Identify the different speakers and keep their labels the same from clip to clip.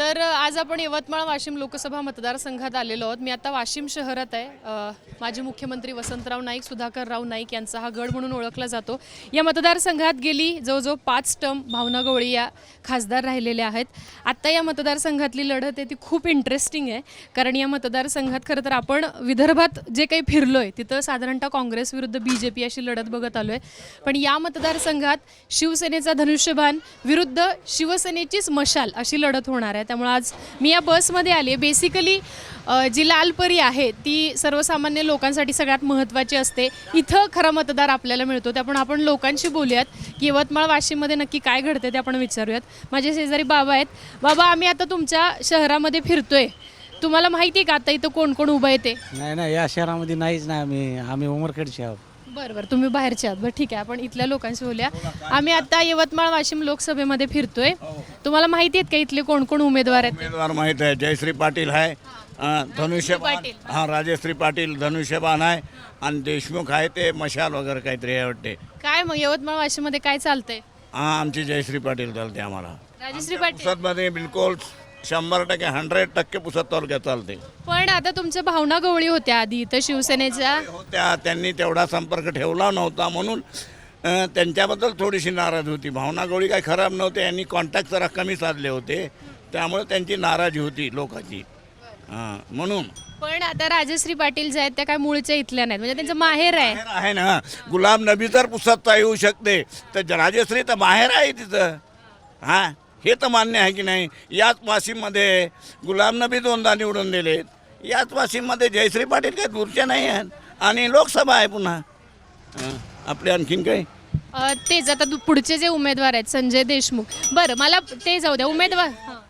Speaker 1: तर आज आपण यवतमाळ वाशिम लोकसभा मतदारसंघात आलेलो आहोत. मी आता वाशिम शहरात आहे. माजी मुख्यमंत्री वसंतराव नाईक, सुधाकरराव नाईक यांचा हा गड म्हणून ओळखला जातो. या मतदारसंघात गेली जवळजवळ 5 टर्म भावना गवळी या खासदार राहिलेल्या आहेत. आत्ता या मतदारसंघातली लढत आहे ती खूप इंटरेस्टिंग आहे, कारण या मतदारसंघात खरं तर आपण विदर्भात जे काही फिरलो आहे तिथं साधारणतः काँग्रेस विरुद्ध BJP अशी लढत बघत आलो आहे. पण या मतदारसंघात शिवसेनेचा धनुष्यबाण विरुद्ध शिवसेनेचीच मशाल अशी लढत होणार आहे. त्यामुळे आज मी या बसमध्ये आली. बेसिकली जी लालपरी आहे ती सर्वसामान्य लोकांसाठी सगळ्यात महत्त्वाची असते. इथं खरा मतदार आपल्याला मिळतो. त्यामुळे आपण लोकांशी बोलूयात की यवतमाळ वाशिममध्ये नक्की काय घडते ते आपण विचारूयात. माझे शेजारी बाबा आहेत. बाबा, आम्ही आता तुमच्या शहरामध्ये फिरतोय, तुम्हाला माहिती आहे का आता इथं कोण कोण उभं आहे ते?
Speaker 2: नाही, या शहरामध्ये नाहीच नाही. आम्ही उमरखेडचे आहोत.
Speaker 1: बरं, तुम्ही बाहेरचे आहात. बरं, ठीक आहे, आपण इथल्या लोकांशी बोलूया. आम्ही आता यवतमाळ वाशिम लोकसभेमध्ये फिरतोय. तुम्हाला माहिती आहेत का इथले कोण कोण उमेदवार आहेत?
Speaker 3: उमेदवार माहित आहे. जयश्री पाटील आहे, धनुष्यबाण, हां राजश्री पाटील धनुष्यबाण आहे, आणि देशमुख आहे ते मशाल वगैरे काहीतरी आहे वाटते.
Speaker 1: काय मग यवतमाळ वाशिममध्ये काय चालतंय?
Speaker 3: हां, आमची जयश्री पाटील चालते. आम्हाला
Speaker 1: राजश्री पाटील.
Speaker 3: पुसदमध्ये बिलकुल 100% 100% पुसद तालुक्यात चालते.
Speaker 1: पण आता तुमच्या भावना गवळी होत्या आधी इथं शिवसेनेच्या.
Speaker 3: होत्या, त्यांनी तेवढा संपर्क ठेवला नव्हता म्हणून त्यांच्याबद्दल थोडीशी नाराज होती. भावना गवळी काही खराब नव्हते, यांनी कॉन्टॅक्ट जरा कमी साधले होते, त्यामुळे त्यांची नाराजी होती लोकांची. हां, म्हणून.
Speaker 1: पण आता राजश्री पाटील जे आहेत त्या काय मूळच्या इथल्या नाहीत, म्हणजे त्यांचं माहेर आहे.
Speaker 3: आहे ना. गुलाब नबी तर पुसदता येऊ शकते, तर राजश्री तर बाहेर आहे तिथं. हां, हे तर मान्य आहे की नाही? याच वाशिममध्ये गुलाम नबी 2दा निवडून दिलेत. याच वाशिममध्ये जयश्री पाटील काही दूरच्या नाही आहेत, आणि लोकसभा आहे पुन्हा. आपले आणखीन काही
Speaker 1: तेच आता पुढचे जे उमेदवार आहेत संजय देशमुख. बरं, मला ते जाऊ द्या. उमेदवार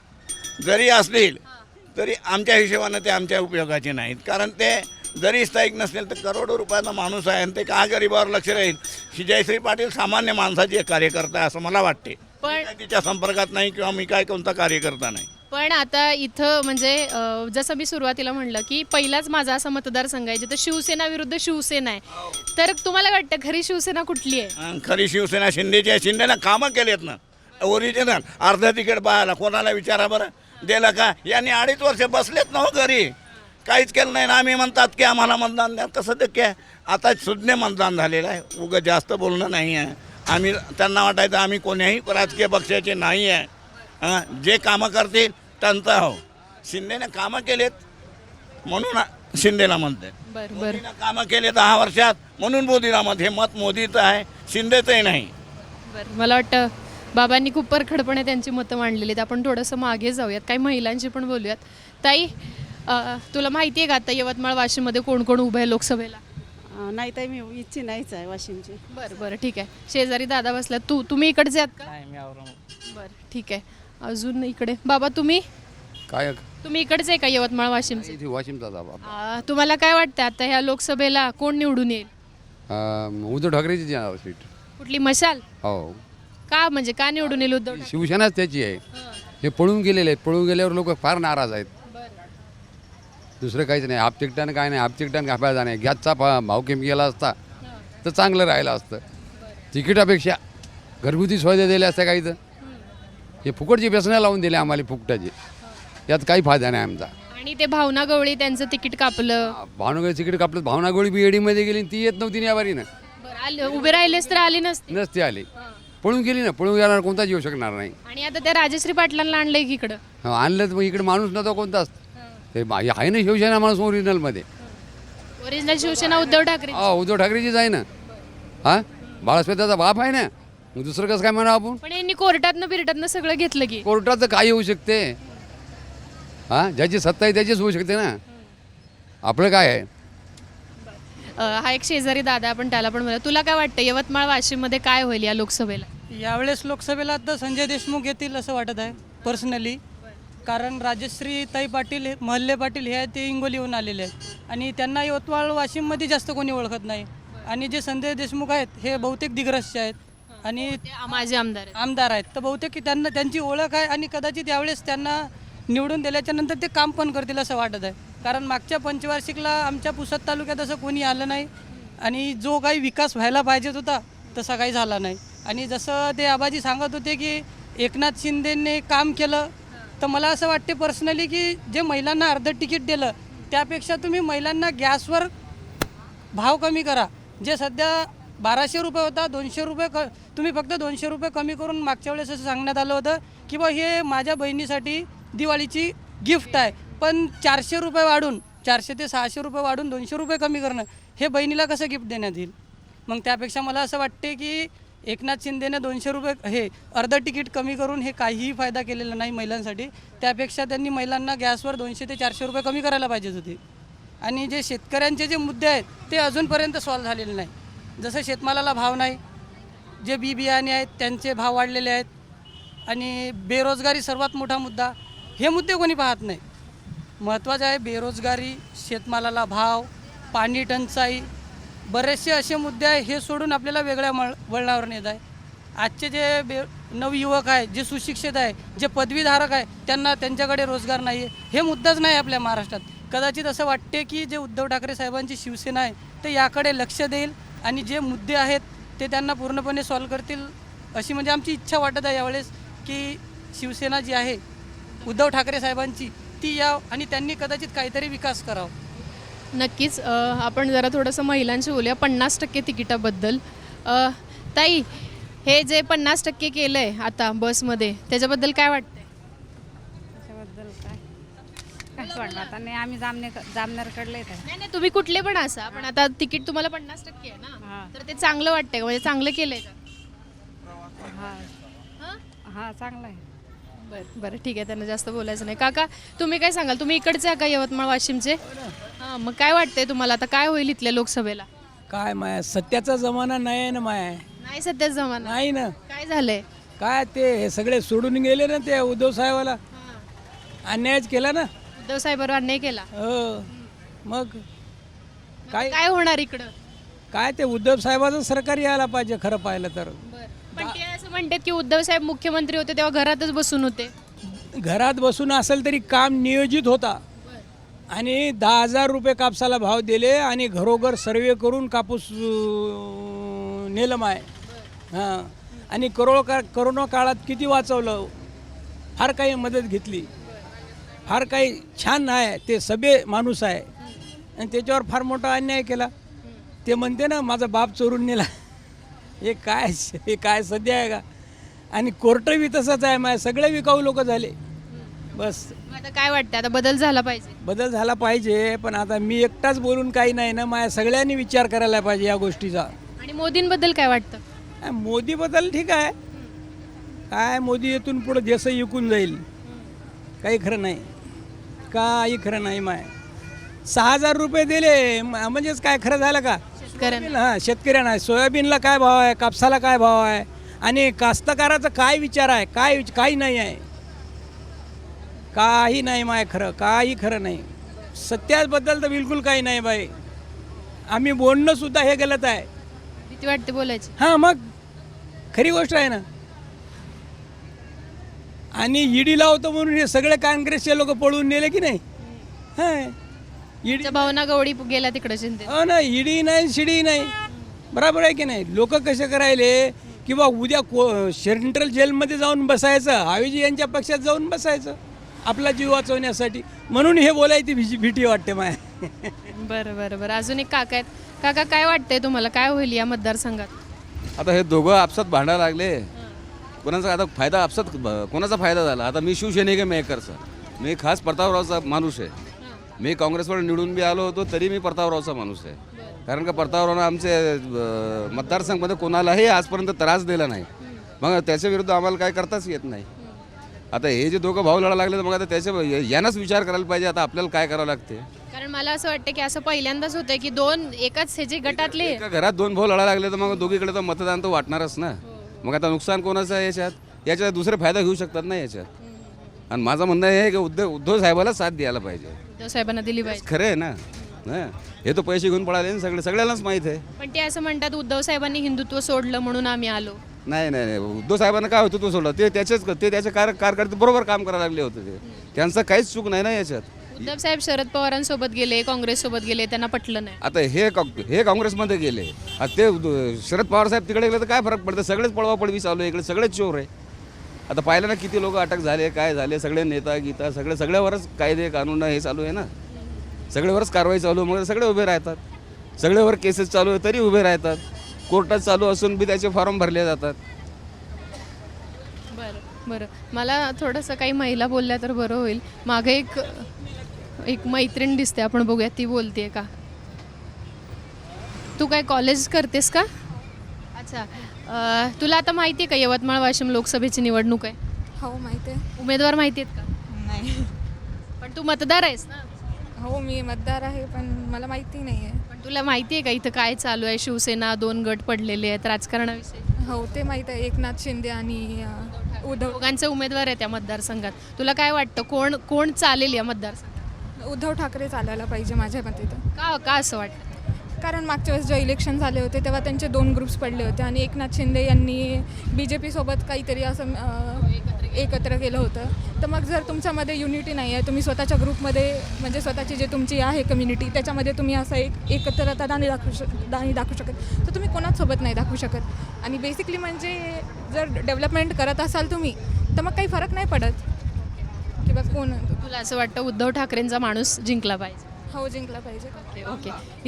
Speaker 3: जरी असतील तरी आमच्या हिशोबानं ते आमच्या उपयोगाचे नाहीत, कारण ते जरी स्थायिक नसतील तर करोडो रुपयाचा माणूस आहे, आणि ते का गरिबावर लक्ष राहील? ही जयश्री पाटील सामान्य माणसाची एक कार्यकर्ता आहे असं मला वाटते. पण तिच्या संपर्कात नाही, किंवा मी काय कोणता कार्यकर्ता नाही.
Speaker 1: पण आता इथं म्हणजे जसं मी सुरुवातीला म्हणलं की पहिलाच माझा असा मतदारसंघ आहे जिथं शिवसेना विरुद्ध शिवसेना आहे. तर तुम्हाला वाटतं खरी शिवसेना कुठली आहे?
Speaker 3: खरी शिवसेना शिंदेची आहे. शिंदेनं कामं केलेत ना ओरिजिनल. अर्ध तिकीट पाहायला कोणाला विचारा बरं, दिलं का? यांनी 2.5 वर्ष बसलेत ना हो घरी, काहीच केलं नाही ना. आम्ही म्हणतात की आम्हाला मतदान द्या, तसं ते काय आता सुज्ञ मतदान झालेलं आहे. उगं जास्त बोलणं नाही आहे. आम्ही त्यांना वाटायचं आम्ही कोण्याही राजकीय पक्षाचे नाही आहे. जे कामं करतील त्यांचा हो. शिंदेने कामं केलेत म्हणून शिंदेला म्हणते.
Speaker 1: बरं,
Speaker 3: कामं केले 10 वर्षात म्हणून मोदीला मत. हे मत मोदीचं आहे, शिंदेचंही नाही.
Speaker 1: बरं, मला वाटतं बाबांनी खूप परखडपणे त्यांची मतं मांडलेली आहेत. आपण थोडंसं मागे जाऊयात, काही महिलांशी पण बोलूयात. ताई, तुला माहिती आहे का आता यवतमाळ वाशिममध्ये कोण कोण उभं आहे लोकसभेला?
Speaker 4: नाही ताई, मी इच्छी नाहीच आहे वाशिमची.
Speaker 1: बरं, ठीक आहे. शेजारी दादा बसलात. तुम्ही इकडचे आहात का?
Speaker 2: नाही, मी औरंगाबाद.
Speaker 1: बरं, ठीक आहे. अजून इकडे बाबा, तुम्ही इकडेच आहे का यवतमाळ वाशिमचे?
Speaker 5: वाशिमचा दाबा.
Speaker 1: तुम्हाला काय वाटतं आता ह्या लोकसभेला कोण निवडून येईल?
Speaker 5: उद्धव ठाकरेची सीट.
Speaker 1: कुठली मशाल?
Speaker 5: हो.
Speaker 1: का म्हणजे का निवडून येईल उद्धव ठाकरे?
Speaker 5: शिवसेनाच त्याची आहे. हे पळून गेलेले आहेत. पळून गेल्यावर लोक फार नाराज आहेत. दुसरं काहीच नाही. हाफ तिकटानं काय नाही. हाफ तिकटानं काय फायदा नाही. गॅसचा भाव कमी गेला असता तर चांगलं राहिलं असतं. तिकिटापेक्षा घरगुती सुविधा दिल्या असत्या काही. तर हे फुकटची व्यसनं लावून दिले आम्हाला फुकटाचे. यात काही फायदा नाही आमचा.
Speaker 1: आणि ते भावना गवळी त्यांचं तिकीट कापलं.
Speaker 5: भावनागोळी तिकीट कापलं. भावनागोळी बीएडीमध्ये गेली, ती येत नव्हती या बारीनं.
Speaker 1: उभे राहिलेच तर आले नसते.
Speaker 5: नसते आली. पळून गेली ना. पळून गेल्यावर कोणताच येऊ शकणार नाही.
Speaker 1: आणि आता त्या राजश्री पाटलांना आणलंय की इकडं.
Speaker 5: आणलं तर मग इकडे माणूस नव्हता कोणताच. ते आहे ना शिवसेना माणूस ओरिजिनलमध्ये.
Speaker 1: ओरिजिनल शिवसेना उद्धव ठाकरे.
Speaker 5: उद्धव ठाकरेचीच आहे ना. हां, बाळासाहेबाचा बाप आहे ना. मग दुसरं कसं काय म्हणा आपण?
Speaker 1: पण यांनी कोर्टातनं बिरटातनं सगळं घेतलं की.
Speaker 5: कोर्टाचं काय होऊ शकते? हां, ज्याची सत्ता आहे त्याचीच होऊ शकते ना. आपलं काय आहे?
Speaker 1: हा एक शेजारी दादा, आपण त्याला पण बोला. तुला काय वाटतं यवतमाळ वाशिममध्ये काय होईल या लोकसभेला?
Speaker 6: यावेळेस लोकसभेला तर संजय देशमुख येतील असं वाटत आहे पर्सनली. कारण राजश्री ताई पाटील, महल्ले पाटील हे ते हिंगोलीहून आलेले आहेत, आणि त्यांना यवतमाळ वाशिममध्ये जास्त कोणी ओळखत नाही. आणि जे संजय देशमुख आहेत हे बहुतेक दिग्रसचे आहेत, आणि
Speaker 1: माझे
Speaker 6: आमदार आहेत. तर बहुतेक त्यांची ओळख आहे, आणि कदाचित यावेळेस त्यांना निवडून दिल्याच्या नंतर ते काम पण करतील असं वाटत आहे. कारण मागच्या पंचवार्षिकला आमच्या पुसद तालुक्यात असं कोणी आलं नाही, आणि जो काही विकास व्हायला पाहिजेत होता तसा काही झाला नाही. आणि जसं ते आबाजी सांगत होते की एकनाथ शिंदेने काम केलं, तर मला असं वाटते पर्सनली की जे महिलांना अर्धं तिकीट दिलं त्यापेक्षा तुम्ही महिलांना गॅसवर भाव कमी करा. जे सध्या 1200 रुपये होता 200 रुपये तुम्ही फक्त 200 रुपये कमी करून मागच्या वेळेस असं सांगण्यात आलं होतं की बा हे माझ्या बहिणीसाठी दिवाळीची गिफ्ट आहे. पण 400 रुपये वाढून 400 ते 600 रुपये वाढून 200 रुपये कमी करणं हे बहिणीला कसं गिफ्ट देण्यात येईल. मग त्यापेक्षा मला असं वाटते की एकनाथ शिंदेने 200 रुपये हे अर्धं तिकीट कमी करून हे काहीही फायदा केलेला नाही महिलांसाठी. त्यापेक्षा त्यांनी महिलांना गॅसवर 200 ते 400 रुपये कमी करायला पाहिजेत होते. आणि जे शेतकऱ्यांचे जे मुद्दे आहेत ते अजूनपर्यंत सॉल्व्ह झालेले नाही. जसं शेतमालाला भाव नाही, जे बी बियाणे आहेत त्यांचे भाव वाढलेले आहेत, आणि बेरोजगारी सर्वात मोठा मुद्दा. हे मुद्दे कोणी पाहत नाही. महत्त्वाचं आहे बेरोजगारी, शेतमालाला भाव, पाणी टंचाई, बरेचसे असे मुद्दे आहे. हे सोडून आपल्याला वेगळ्या वळणावर नेत आहे. आजचे जे नवयुवक आहे, जे सुशिक्षित आहे, जे पदवीधारक आहे त्यांच्याकडे रोजगार नाही आहे. हे मुद्दाच नाही आपल्या महाराष्ट्रात. कदाचित असं वाटते की जे उद्धव ठाकरे साहेबांची शिवसेना आहे ते याकडे लक्ष देईल आणि जे मुद्दे आहेत ते त्यांना पूर्णपणे सॉल्व्ह करतील अशी म्हणजे आमची इच्छा वाटत आहे यावेळेस की शिवसेना जी आहे उद्धव ठाकरे साहेबांची ती याव आणि त्यांनी कदाचित काहीतरी विकास करावा.
Speaker 1: नक्कीच. आपण जरा थोडंसं महिलांशी बोलूया 50% तिकिटाबद्दल. ताई, हे जे 50% केलं आहे आता बसमध्ये त्याच्याबद्दल काय वाटतंय?
Speaker 7: त्याच्याबद्दल काय वाटलं आता नाही, आम्ही जामनेरकडले येत आहे.
Speaker 1: नाही, तुम्ही कुठले पण असा, पण आता तिकीट तुम्हाला 50% आहे ना, तर ते चांगलं वाटतंय का? म्हणजे चांगलं केलंय का?
Speaker 7: हां चांगलं आहे.
Speaker 1: बरं ठीक आहे, त्यांना जास्त बोलायचं नाही. काका, तुम्ही काय सांगाल? तुम्ही इकडचे आहे का, यवतमाळ वाशिमचे? हां, मग काय वाटतंय तुम्हाला आता काय होईल इथल्या लोकसभेला?
Speaker 8: काय माय सत्याचा जमाना नाही आहे ना माय.
Speaker 1: नाही सध्याच जमाना.
Speaker 8: नाही ना.
Speaker 1: काय झालंय?
Speaker 8: काय ते हे सगळे सोडून गेले ना ते उद्धव साहेबाला. अन्यायच केला ना.
Speaker 1: उद्धव साहेबांवर अन्याय केला.
Speaker 8: हो मग काय
Speaker 1: काय होणार इकडं?
Speaker 8: काय ते उद्धव साहेबाचं सरकार यायला पाहिजे खरं पाहिलं तर.
Speaker 1: पण ते असं म्हणतात की उद्धव साहेब मुख्यमंत्री होते तेव्हा घरातच बसून होते.
Speaker 8: घरात बसून असेल तरी काम नियोजित होता आणि 10,000 रुपये कापसाला भाव दिले आणि घरोघर सर्वे करून कापूस नेलं माय. हां, आणि करोना काळात किती वाचवलं, फार काही मदत घेतली, फार काही छान आहे. ते सभ्य माणूस आहे आणि त्याच्यावर फार मोठा अन्याय केला. ते म्हणते ना माझा बाप चोरून नेला. हे काय सध्या आहे का? आणि कोर्टही तसंच आहे माय. सगळे विकाऊ लोक झाले. बस
Speaker 1: आता काय वाटतं, आता बदल झाला पाहिजे?
Speaker 8: बदल झाला पाहिजे, पण आता मी एकटाच बोलून काही नाही ना माया. सगळ्यांनी विचार करायला पाहिजे या गोष्टीचा.
Speaker 1: आणि मोदींबद्दल काय वाटतं?
Speaker 8: मोदीबद्दल ठीक आहे. काय मोदी येथून पुढे देश विकून जाईल. काही खरं नाही, काही खरं नाही माय. 6,000 रुपये दिले म्हणजेच काय खरं झालं का? हां, शेतकऱ्यांना सोयाबीनला काय भाव आहे, कापसाला काय भाव आहे, आणि कास्तकाराचा काय विचार आहे? काही नाही आहे. काही नाही माय खरं, काही खरं नाही. सत्याबद्दल तर बिलकुल काही नाही बाई. आम्ही बोलणं सुद्धा हे गलत आहे.
Speaker 1: भीती वाटते बोलायची.
Speaker 8: हां, मग खरी गोष्ट आहे ना. आणि ईडी लावतो म्हणून हे सगळे काँग्रेसचे लोक पळून नेले की नाही. हां, ईडी
Speaker 1: भावना गवडी गेला तिकडे शिंदे.
Speaker 8: हो ना, ईडी नाही शिडी नाही. बरोबर आहे की नाही. लोक कसे करायले किंवा उद्या सेंट्रल जेलमध्ये जाऊन बसायचं, हावेजी यांच्या पक्षात जाऊन बसायचं आपला जीव वाचवण्यासाठी. म्हणून हे बोलायची भीती वाटते माय.
Speaker 1: बरं. अजून एक काका आहेत. काका, काय वाटतंय तुम्हाला, काय होईल या मतदारसंघात?
Speaker 5: आता हे दोघं आपसात भांडायला लागले. कोणाचा आता फायदा आपसात कोणाचा फायदा झाला? आता मी शिवसैनिक आहे मेकरचा. मी खास प्रतापरावचा माणूस आहे. मी काँग्रेसवर निवडून बी आलो होतो तरी मी प्रतापरावचा माणूस आहे. कारण का प्रतापरावनं आमचे मतदारसंघामध्ये कोणालाही आजपर्यंत त्रास दिला नाही. मग त्याच्या विरुद्ध आम्हाला काय करताच येत नाही. आता हे जे दोघं भाऊ लढा लागले तर मग आता त्याच्या यांनाच विचार करायला पाहिजे आता आपल्याला काय करावं लागते.
Speaker 1: कारण मला असं वाटतं की असं पहिल्यांदाच होतंय की दोन एकाच ह्याचे गटातले
Speaker 5: एका घरात दोन भाऊ लढा लागले तर मग दोघीकडे तर मतदान तर वाटणारच ना. मग आता नुकसान कोणाचं आहे याच्यात दुसरे फायदा घेऊ शकतात ना याच्यात. आणि माझं म्हणणं हे की उद्धव साहेबाला साथ द्यायला पाहिजे.
Speaker 1: उद्धव साहेबांना दिली पाहिजे.
Speaker 5: खरं आहे ना. हे तो पैसे घेऊन पळाले सगळ्यांनाच माहीत आहे.
Speaker 1: पण ते असं म्हणतात उद्धव साहेबांनी हिंदुत्व सोडलं म्हणून आम्ही आलो.
Speaker 5: नाही उद्धव साहेबांना काय होतं तो सोडलं ते त्याच्या कारकिर्दीत बरोबर काम करायला लागले होते. ते त्यांचं काहीच चूक नाही ना याच्यात.
Speaker 1: उद्धव साहेब शरद पवारांसोबत गेले, काँग्रेससोबत गेले, त्यांना पटलं नाही.
Speaker 5: आता हे काँग्रेसमध्ये गेले, आता ते शरद पवार साहेब तिकडे गेले तर काय फरक पडतं? सगळेच पळवापळवी चालू आहे इकडे, सगळेच चोर आहे.
Speaker 9: आता पाहिलं ना किती लोक अटक झाले, काय झाले, सगळे नेता गीता सगळ्यावरच कायदे कानून हे चालू आहे ना, सगळ्यावरच कारवाई चालू आहे, मग सगळे उभे राहतात, सगळ्यावर केसेस चालू आहे तरी उभे राहतात, कोर्टात चालू असून बी त्याचे फॉर्म भरले जातात.
Speaker 1: बरं मला थोडंसं काही महिला बोलल्या तर बरं होईल. मागे एक मैत्रीण दिसते, आपण बघूया ती बोलते का. तू काय कॉलेज करतेस का? अच्छा, तुला आता माहिती आहे का यवतमाळ वाशिम लोकसभेची निवडणूक आहे?
Speaker 10: हो माहिती आहे.
Speaker 1: उमेदवार माहिती आहेत का?
Speaker 10: नाही.
Speaker 1: पण तू मतदार आहेस ना?
Speaker 10: हो मी मतदार आहे पण मला माहिती नाही आहे.
Speaker 1: पण तुला माहिती आहे का इथं काय चालू आहे? शिवसेना 2 गट पडलेले आहेत राजकारणाविषयी.
Speaker 10: हो ते माहीत आहे. एकनाथ शिंदे आणि उद्धव
Speaker 1: दोघांचे उमेदवार आहेत त्या मतदारसंघात. तुला काय वाटतं कोण चालेल या मतदारसंघात?
Speaker 10: उद्धव ठाकरे चालायला पाहिजे माझ्या मते तर.
Speaker 1: का असं वाटतं?
Speaker 10: कारण मागच्या वेळेस जेव्हा इलेक्शन झाले होते तेव्हा त्यांचे 2 ग्रुप्स पडले होते आणि एकनाथ शिंदे यांनी BJP सोबत काहीतरी असं एकत्र केलं होतं. तर मग जर तुमच्यामध्ये युनिटी नाही आहे, तुम्ही स्वतःच्या ग्रुपमध्ये म्हणजे स्वतःची जे तुमची आहे कम्युनिटी त्याच्यामध्ये तुम्ही असं एकत्रता नाही दाखवू शकत, तर तुम्ही कोणासोबत नाही दाखवू शकत. आणि बेसिकली म्हणजे जर डेव्हलपमेंट करत असाल तुम्ही तर मग काही फरक नाही पडत की बा कोण.
Speaker 1: तुला असं वाटतं उद्धव ठाकरेंचा माणूस जिंकला पाहिजे?
Speaker 10: हो जिंकला पाहिजे.
Speaker 1: ओके.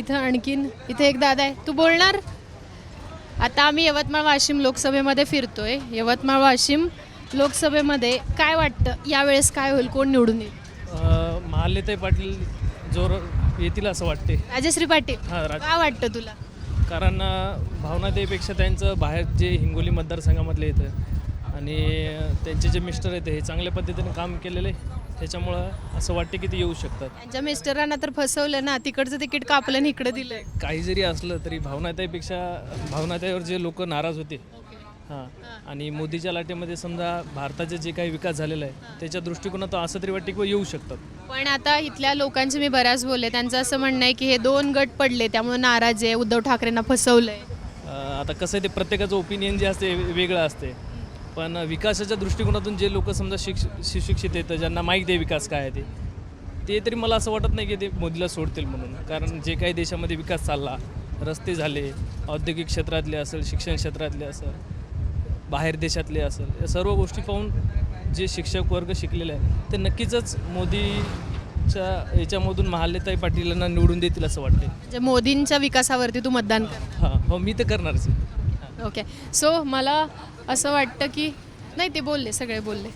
Speaker 1: इथं एक दादा आहे, तू बोलणार? आता आम्ही यवतमाळ वाशिम लोकसभेमध्ये फिरतोय. यवतमाळ वाशिम लोकसभेमध्ये काय वाटतं यावेळेस काय होईल, कोण निवडून येईल?
Speaker 11: महालेताई पाटील जोर येतील असं वाटते.
Speaker 1: राजश्री पाटील.
Speaker 11: हां
Speaker 1: काय वाटतं तुला?
Speaker 11: कारण भावनाताईपेक्षा त्यांचं बाहेर जे हिंगोली मतदारसंघामधले येतं आणि त्यांचे जे मिस्टर आहेत हे चांगल्या पद्धतीने काम केलेलं आहे, त्याच्यामुळं असं वाटते की ते येऊ शकतात.
Speaker 1: त्यांच्या मिस्टरांना तर फसवलं ना, तिकडचं तिकीट कापलं आणि इकडे दिलं.
Speaker 11: काही जरी असलं तरी भावनाताईवर जे लोक नाराज होते हां, आणि मोदीच्या लाटेमध्ये समजा भारताचे जे काही विकास झालेला आहे त्याच्या दृष्टिकोनातून असं तरी वाटते की येऊ शकतात.
Speaker 1: पण आता इथल्या लोकांचे मी बऱ्याच बोलले, त्यांचं असं म्हणणं आहे की हे 2 गट पडले त्यामुळे नाराज आहे, उद्धव ठाकरेंना फसवलंय.
Speaker 11: आता कसं आहे ते प्रत्येकाचं ओपिनियन जे असते वेगळं असते, पण विकासाच्या दृष्टिकोनातून जे लोक समजा सुशिक्षित येतं, ज्यांना माहीत आहे विकास काय आहे ते तरी मला असं वाटत नाही की ते मोदीला सोडतील म्हणून. कारण जे काही देशामध्ये विकास चालला, रस्ते झाले, औद्योगिक क्षेत्रातले असेल, शिक्षण क्षेत्रातले असेल, बाहेर देशातले असेल, या सर्व गोष्टी पाहून जे शिक्षक वर्ग शिकलेले आहे ते नक्कीच मोदीच्या याच्यामधून महालेताई पाटीलांना निवडून देतील असं वाटते.
Speaker 1: म्हणजे मोदींच्या विकासावरती तू मतदान कर?
Speaker 11: हां हो मी तर करणारच आहे.
Speaker 1: ओके. सो मला असं वाटतं की नाही, ते बोलले, सगळे बोलले.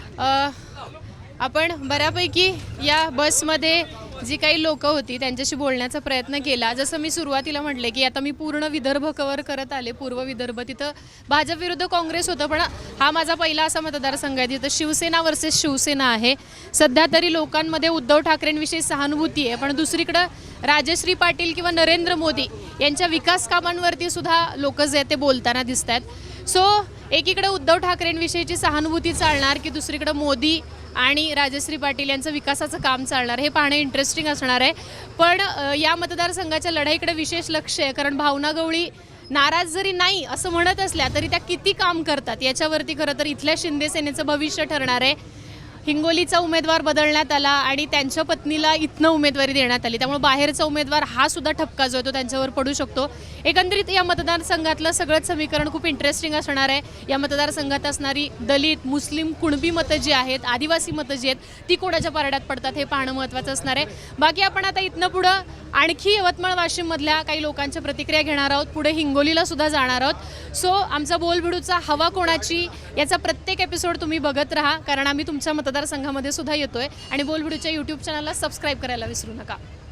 Speaker 1: आपण बऱ्यापैकी या बसमध्ये जी काही लोकं होती त्यांच्याशी बोलण्याचा प्रयत्न केला. जसं मी सुरुवातीला म्हटले की आता मी पूर्ण विदर्भ कव्हर करत आले, पूर्व विदर्भ. तिथं भाजप विरुद्ध काँग्रेस होतं, पण हा माझा पहिला असा मतदारसंघ आहे तिथं शिवसेना वर्सेस शिवसेना आहे. सध्या तरी लोकांमध्ये उद्धव ठाकरेंविषयी सहानुभूती आहे, पण दुसरीकडं राजश्री पाटील किंवा नरेंद्र मोदी यांच्या विकास कामांवरती सुद्धा लोक जे आहेत ते बोलताना दिसत आहेत. सो एकीकडे उद्धव ठाकरेंविषयीची सहानुभूती चालणार की दुसरीकडे मोदी आणि राजश्री पाटील यांचं विकासाचं काम चालणार, हे पाहणं इंटरेस्टिंग असणार आहे. पण या मतदारसंघाच्या लढाईकडे विशेष लक्ष आहे, कारण भावना गवळी नाराज जरी नाही असं म्हणत असल्या तरी त्या किती काम करतात याच्यावरती खरं तर इथल्या शिंदे सेनेचं भविष्य ठरणार आहे. हिंगोलीचा उमेदवार बदलण्यात आला आणि त्यांच्या पत्नीला इथनं उमेदवारी देण्यात आली, त्यामुळे बाहेरचा उमेदवार हा सुद्धा ठपका जो आहे तो त्यांच्यावर पडू शकतो. एकंदरीत या मतदारसंघातलं सगळंच समीकरण खूप इंटरेस्टिंग असणार आहे. या मतदारसंघात असणारी दलित, मुस्लिम, कुणबी मतं जी आहेत, आदिवासी मतं जी आहेत ती कोणाच्या पारड्यात पडतात हे पाहणं महत्त्वाचं असणार आहे. बाकी आपण आता इथनं पुढं आणखी यवतमाळ वाशिममधल्या काही लोकांच्या प्रतिक्रिया घेणार आहोत, पुढे हिंगोलीला सुद्धा जाणार आहोत. सो आमचा बोलबिडूचा हवा कोणाची याचा प्रत्येक एपिसोड तुम्ही बघत राहा, कारण आम्ही तुमच्या मतदारसंघामध्ये सुद्धा येतोय. आणि बोलबिडूच्या यूट्यूब चॅनलला सबस्क्राईब करायला विसरू नका.